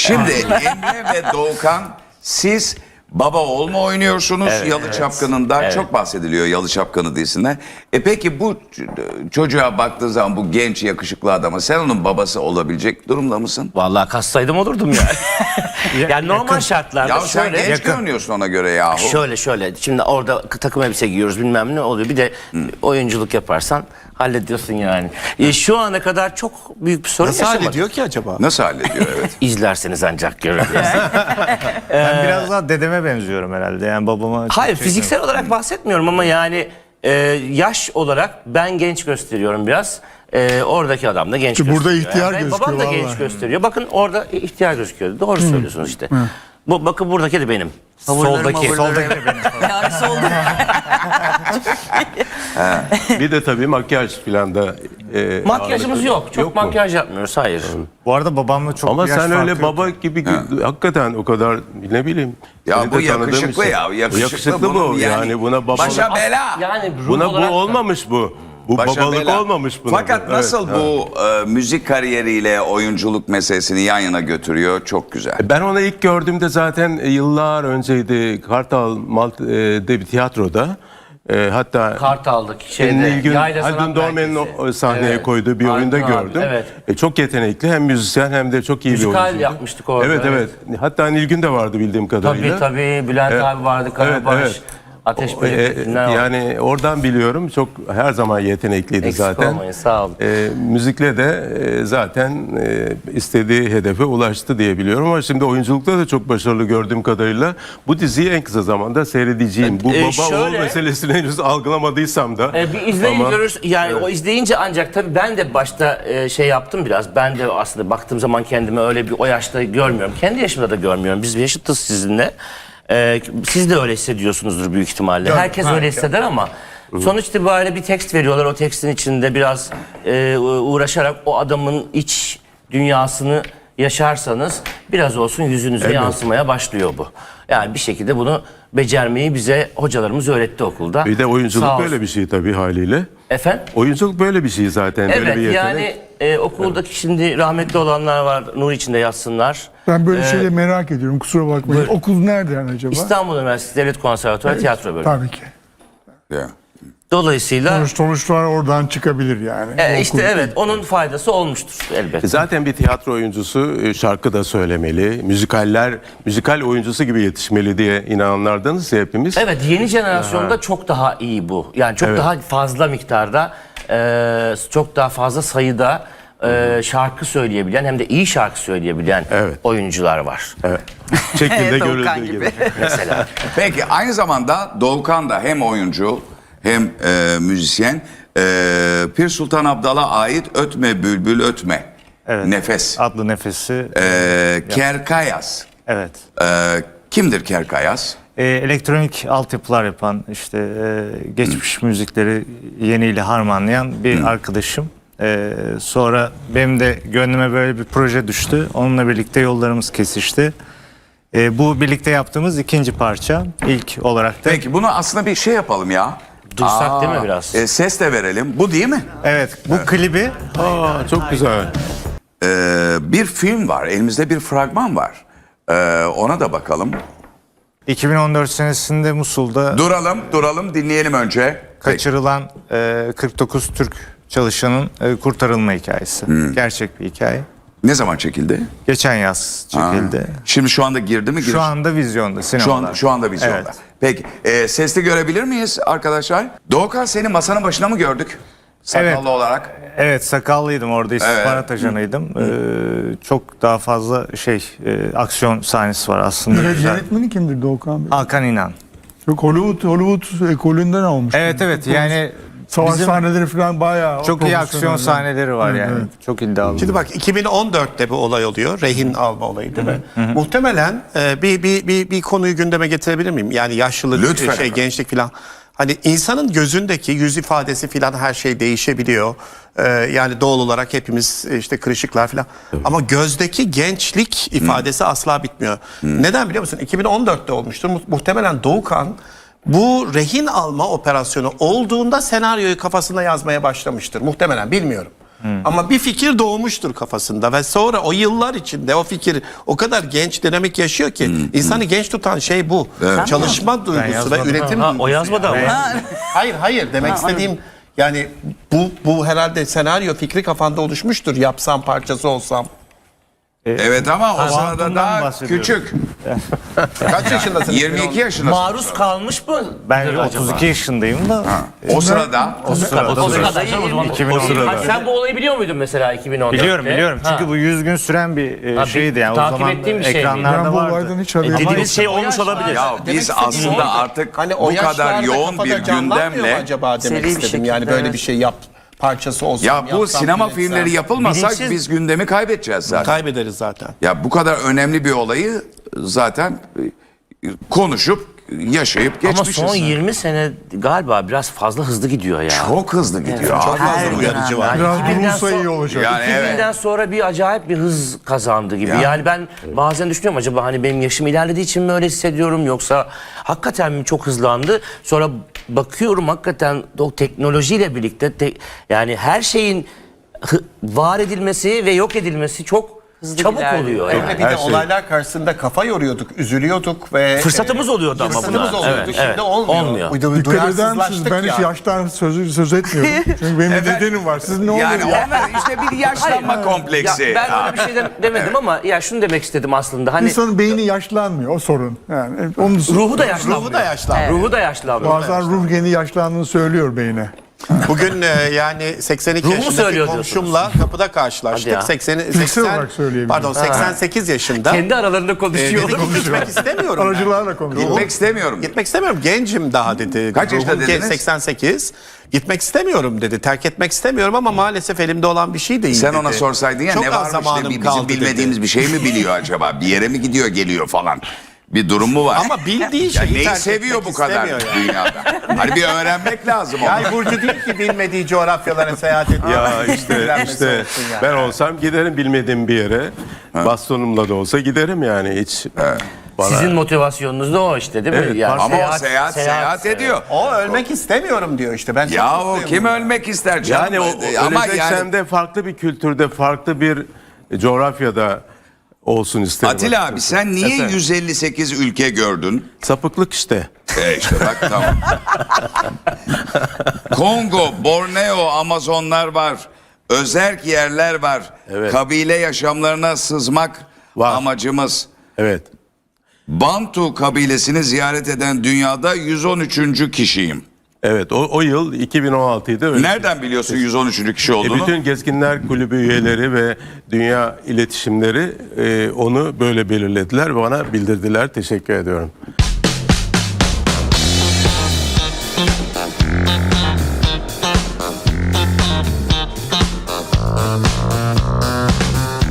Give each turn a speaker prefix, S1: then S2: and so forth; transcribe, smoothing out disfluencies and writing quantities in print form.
S1: Şimdi Emre ve Doğukan, siz baba oğul mu oynuyorsunuz Yalı Çapkını'nda? Çok bahsediliyor Yalı Çapkını dizisinde. Peki bu çocuğa baktığı zaman, bu genç yakışıklı adama, sen onun babası olabilecek durumda mısın?
S2: Vallahi kassaydım olurdum yani. Yani normal şartlarda
S1: Ya sen
S2: şöyle.
S1: genç görünüyorsun ona göre yahu.
S2: Şöyle. Şimdi orada takım elbise giyiyoruz, bilmem ne oluyor. Bir de oyunculuk yaparsan hallediyorsun yani. Şu ana kadar çok büyük bir sorun
S3: Nasıl
S2: yaşamadım.
S3: hallediyor ki acaba?
S1: Nasıl hallediyor, evet.
S2: İzlerseniz ancak görürsünüz.
S4: Ben biraz daha dedeme benziyorum herhalde. Yani babama çok
S2: Hayır,
S4: şey
S2: fiziksel olarak bahsetmiyorum ama yani yaş olarak ben genç gösteriyorum biraz. Oradaki adam da genç
S5: Çünkü burada
S2: gösteriyor.
S5: ihtiyar
S2: Yani
S5: gözüküyor
S2: babam da genç
S5: vallahi.
S2: gösteriyor. Bakın orada ihtiyar gözüküyor. Doğru söylüyorsunuz işte. Bakın buradaki de benim. Soldaki.
S6: Yani solda.
S7: Bir de tabii makyaj filan da.
S2: Makyajımız yok. Çok
S7: Yok mu?
S2: makyaj yapmıyoruz. Hayır.
S4: Bu arada babamla çok
S7: Ama
S4: bir yaş
S7: sen
S4: farkı
S7: öyle
S4: yok.
S7: baba gibi hakikaten o kadar ne bileyim.
S1: Ya
S7: seni
S1: bu
S7: de tanıdığım
S1: yakışıklı
S7: için.
S1: ya. Yakışıklı
S7: bu
S1: bunun
S7: yani buna baba.
S1: başa bela.
S2: Yani ruh
S7: Buna
S2: olarak
S7: bu
S2: da-
S7: olmamış bu. Bu
S1: Başa
S7: babalık
S1: bela.
S7: olmamış buna.
S1: Fakat
S7: bu.
S1: nasıl
S7: Evet,
S1: bu müzik kariyeriyle oyunculuk meselesini yan yana götürüyor, çok güzel.
S7: Ben onu ilk gördüğümde zaten yıllar önceydi. Kartal Malt'de bir tiyatroda. Hatta
S2: Kartal'daki
S7: Nilgün,
S2: Yayla Sanat
S7: Haldun Dormen'in
S2: Merkezi.
S7: o sahneye
S2: Evet.
S7: koyduğu bir oyunda
S2: Haldun abi,
S7: gördüm.
S2: evet.
S7: Çok yetenekli, hem müzisyen hem de çok iyi bir
S2: Müzikal
S7: oyuncuydu.
S2: yapmıştık orada,
S7: Evet,
S2: evet.
S7: evet. Hatta Nilgün de vardı bildiğim kadarıyla.
S2: Tabii. Bülent abi vardı, Karabaş.
S7: evet.
S2: Ateş Böcekler vardı.
S7: Yani oradan biliyorum, çok her zaman yetenekliydi
S2: Eksik
S7: zaten.
S2: olmayın, sağ olun.
S7: Müzikle de zaten istediği hedefe ulaştı diye biliyorum, ama şimdi oyunculukta da çok başarılı gördüğüm kadarıyla. Bu diziyi en kısa zamanda seyredeceğim. Bu baba oğul
S2: şöyle-
S7: meselesini henüz algılamadıysam da.
S2: Bir izleyin
S7: ama-
S2: görürüz. Yani o izleyince ancak tabii ben de başta şey yaptım biraz. Ben de aslında baktığım zaman kendimi öyle bir o yaşta görmüyorum. Kendi yaşımda da görmüyorum. Biz yaşıtız sizinle. Siz de öyle hissediyorsunuzdur büyük ihtimalle. Herkes öyle hisseder ama sonuç itibariyle bir tekst veriyorlar. O tekstin içinde biraz uğraşarak o adamın iç dünyasını yaşarsanız biraz olsun yüzünüze yansımaya başlıyor bu. Yani bir şekilde bunu becermeyi bize hocalarımız öğretti okulda.
S7: Bir de
S2: Sağ
S7: oyunculuk
S2: olsun.
S7: böyle bir şey tabii haliyle.
S2: Efendim?
S7: Oyunculuk böyle bir şey zaten. Böyle
S2: Evet
S7: bir yetenek.
S2: yani okuldaki şimdi rahmetli olanlar var, nur içinde yatsınlar.
S5: Ben böyle şeyleri merak ediyorum, kusura bakmayın. Okul nerede yani acaba?
S2: İstanbul Üniversitesi Devlet Konservatuarı Tiyatro Bölümü.
S5: Tabii ki.
S1: Ya.
S2: Dolayısıyla
S5: Sonuçlar oradan çıkabilir yani.
S2: işte
S5: Okul-
S2: evet onun faydası olmuştur elbette.
S7: Zaten bir tiyatro oyuncusu şarkı da söylemeli, müzikal oyuncusu gibi yetişmeli diye inananlardanız ya hepimiz.
S2: Evet, yeni jenerasyonda çok daha iyi bu. Yani çok daha fazla miktarda, çok daha fazla sayıda şarkı söyleyebilen hem de iyi şarkı söyleyebilen oyuncular var.
S7: Evet. Şekilde
S6: Doğukan
S7: görüldüğü
S6: gibi.
S7: gibi.
S2: Mesela.
S1: Peki aynı zamanda Doğukan da hem oyuncu hem müzisyen. Pir Sultan Abdal'a ait Ötme Bülbül Ötme.
S4: Evet.
S1: Nefes.
S4: Adlı nefesi.
S1: Kerkayas.
S4: Evet.
S1: Kimdir Kerkayas?
S4: Elektronik altyapılar yapan, işte geçmiş müzikleri yeniyle harmanlayan bir arkadaşım. Sonra benim de gönlüme böyle bir proje düştü. Onunla birlikte yollarımız kesişti. Bu birlikte yaptığımız ikinci parça. İlk olarak da.
S1: Peki bunu aslında bir şey yapalım ya.
S2: Duysak değil mi biraz?
S1: Ses de verelim. Bu değil mi?
S4: Evet, bu klibi
S7: Aa, çok güzel.
S1: Bir film var. Elimizde bir fragman var. Ona da bakalım.
S4: 2014 senesinde Musul'da
S1: Duralım dinleyelim önce.
S4: kaçırılan 49 Türk çalışanın kurtarılma hikayesi. Gerçek bir hikaye.
S1: Ne zaman çekildi?
S4: Geçen yaz çekildi.
S1: Şimdi şu anda girdi mi?
S4: Şu anda vizyonda, sinemalar.
S1: Şu anda vizyonda.
S4: Evet.
S1: Peki sesli görebilir miyiz arkadaşlar? Doğukan, seni masanın başına mı gördük? Sakallı
S4: Evet.
S1: olarak.
S4: Evet, sakallıydım orada, istihbarat ajanıydım. Çok daha fazla aksiyon sahnesi var aslında.
S5: Yönetmeni kimdir Doğukan Bey?
S4: Hakan İnan.
S5: Çok Hollywood ekolünden almış.
S4: Evet yani
S5: Savaş
S4: bizim
S5: sahneleri falan bayağı
S4: çok iyi aksiyon
S5: profesyonel.
S4: sahneleri var yani.
S5: Evet.
S4: Çok iddialı.
S3: Şimdi bak 2014'te bir olay oluyor. Rehin alma olayı değil mi? Muhtemelen bir konuyu gündeme getirebilir miyim? Yani yaşlılık,
S1: Lütfen efendim.
S3: gençlik falan. Hani insanın gözündeki yüz ifadesi falan her şey değişebiliyor. Yani doğal olarak hepimiz işte kırışıklar falan. Ama gözdeki gençlik ifadesi asla bitmiyor. Neden biliyor musun? 2014'te olmuştur. Muhtemelen Doğukan bu rehin alma operasyonu olduğunda senaryoyu kafasında yazmaya başlamıştır. Muhtemelen, bilmiyorum. Ama bir fikir doğmuştur kafasında ve sonra o yıllar içinde o fikir o kadar genç, dinamik yaşıyor ki insanı genç tutan şey bu. Çalışma duygusu ve
S4: yazmadım.
S3: üretim
S2: Ha,
S3: duygusu.
S2: o yazmadı ama.
S3: Hayır demek istediğim yani bu herhalde senaryo fikri kafanda oluşmuştur. Yapsam, parçası olsam.
S1: Evet ama o sırada
S4: Kuantumdan
S1: daha
S4: bahsediyorum.
S1: küçük.
S3: Kaç yaşındasın?
S1: 22 yaşındasın.
S2: Maruz kalmış mı?
S4: Ben
S2: acaba?
S4: 32 yaşındayım da.
S1: O sırada
S2: O sırada iyi.
S4: O sırada.
S2: Ha, sen bu olayı biliyor muydun mesela 2014'te?
S4: Biliyorum.
S2: Ha.
S4: Çünkü bu 100 gün süren bir
S2: Ha,
S4: şeydi yani. O
S2: takip
S4: zaman
S2: ettiğim bir şey miydi?
S4: ekranlarda
S5: Ben bu
S4: vardı.
S5: olaydan hiç haberim yok.
S2: Dediğiniz şey olmuş olabilir.
S1: ya biz aslında artık
S3: Hani o
S1: bu kadar
S3: yaşlarda
S1: yoğun bir
S3: kafada canlanmıyor mu
S1: gündemle
S3: acaba demek
S6: Seri bir
S3: istedim.
S6: şekilde,
S3: Yani böyle
S6: evet.
S3: bir şey yap parçası olsam.
S1: ya bu
S3: yapsam,
S1: sinema
S3: üretsem.
S1: filmleri yapılmasak
S2: Bilinçsiz-
S1: biz gündemi kaybedeceğiz zaten.
S3: Kaybederiz zaten.
S1: Ya bu kadar önemli bir olayı zaten konuşup yaşayıp
S2: Ama
S1: geçmişiz.
S2: son 20 sene galiba biraz fazla hızlı gidiyor ya.
S1: Çok hızlı gidiyor.
S3: Çok
S1: abi.
S3: fazla uyarıcı var.
S5: Biraz
S2: 2000'den
S5: durulsa iyi
S2: sonra-
S5: olacak.
S1: Yani evet.
S2: 2000'den sonra bir acayip bir hız kazandı gibi.
S1: Ya.
S2: Yani ben bazen düşünüyorum acaba hani benim yaşım ilerlediği için mi öyle hissediyorum yoksa hakikaten mi çok hızlandı? Sonra bakıyorum hakikaten o teknolojiyle birlikte yani her şeyin var edilmesi ve yok edilmesi çok çabuk
S6: ilerliyor.
S2: oluyor.
S3: Hem
S2: Yani.
S3: de bir de olaylar karşısında kafa yoruyorduk, üzülüyorduk ve
S2: Fırsatımız oluyordu ama
S3: fırsatımız
S2: buna.
S3: oluyordu.
S2: Evet,
S3: Şimdi
S2: evet.
S3: olmuyor.
S2: Olmuyor.
S5: Dikkat eder misiniz?
S3: Duyarsızlaştık
S5: Ben hiç
S3: ya.
S5: yaştan söz etmiyorum. Çünkü benim bir nedenim var. Siz ne oluyor
S1: Yani
S5: ya?
S1: onlar işte bir yaşlanma kompleksi.
S2: Ya ben öyle bir şey demedim ama ya şunu demek istedim aslında. Hani
S5: İnsanın beyni yaşlanmıyor. O sorun. Yani onun
S2: ruhu da yaşlanmıyor.
S3: Ruhu da yaşlandı.
S2: Ruhu da yaşlanmıyor.
S5: Bazen ruh geni yaşlandığını söylüyor beyne.
S3: Bugün yani 82
S2: Ruhu
S3: yaşındaki
S2: söylüyor
S3: komşumla kapıda karşılaştık.
S2: Hadi ya.
S5: 80 olarak söyleyebilirim.
S3: Pardon 88 yaşında.
S2: Kendi aralarında konuşuyorlar.
S3: Dedi ki gitmek istemiyorum. ben.
S5: Aracılarla konuşuyor.
S1: Gitmek istemiyorum.
S3: Gitmek istemiyorum. Gencim daha dedi.
S1: Kaç yaşında
S3: Ruhum
S1: dediniz?
S3: 88. Gitmek istemiyorum dedi. Terk etmek istemiyorum ama maalesef elimde olan bir şey değil
S1: Sen
S3: dedi.
S1: ona sorsaydın ya
S3: Çok
S1: ne
S3: az
S1: varmış
S3: zamanım
S1: de bizim
S3: kaldı
S1: bilmediğimiz
S3: dedi.
S1: bir şey mi biliyor acaba? Bir yere mi gidiyor geliyor falan. Bir durum mu var?
S3: Ama bildiği
S1: ya
S3: şeyi
S1: neyi
S3: terk
S1: seviyor
S3: etmek
S1: bu kadar
S3: istemiyor yani.
S1: dünyada? Hani bir öğrenmek lazım onu.
S3: Yay burcu değil ki bilmediği coğrafyalara seyahat ediyor.
S7: Ya işte
S3: Öğrenmesi olsun yani.
S7: ben olsam giderim bilmediğim bir yere. Bastonumla da olsa giderim yani hiç. Bana
S2: Sizin motivasyonunuz da o işte değil mi?
S7: Evet,
S2: Yani
S1: Ama o seyahat ediyor.
S3: O ölmek istemiyorum diyor işte. Ben çok
S1: Ya o
S3: mutluyum
S1: kim
S3: bundan.
S1: ölmek ister canım?
S7: yani o
S1: ama
S7: öleceksem
S1: yani
S7: de farklı bir kültürde, farklı bir coğrafyada olsun isterim.
S1: Atilla abi sen niye
S7: Efendim?
S1: 158 ülke gördün?
S7: Sapıklık işte.
S1: İşte bak tamam. Kongo, Borneo, Amazonlar var. Özerk yerler var.
S7: Evet.
S1: Kabile yaşamlarına sızmak
S7: Var.
S1: amacımız.
S7: Evet.
S1: Bantu kabilesini ziyaret eden dünyada 113. kişiyim.
S7: Evet o yıl 2016'ydı. Öyle.
S1: Nereden biliyorsun 113. kişi olduğunu?
S7: Bütün Gezginler Kulübü üyeleri ve dünya iletişimleri onu böyle belirlediler. Bana bildirdiler. Teşekkür ediyorum.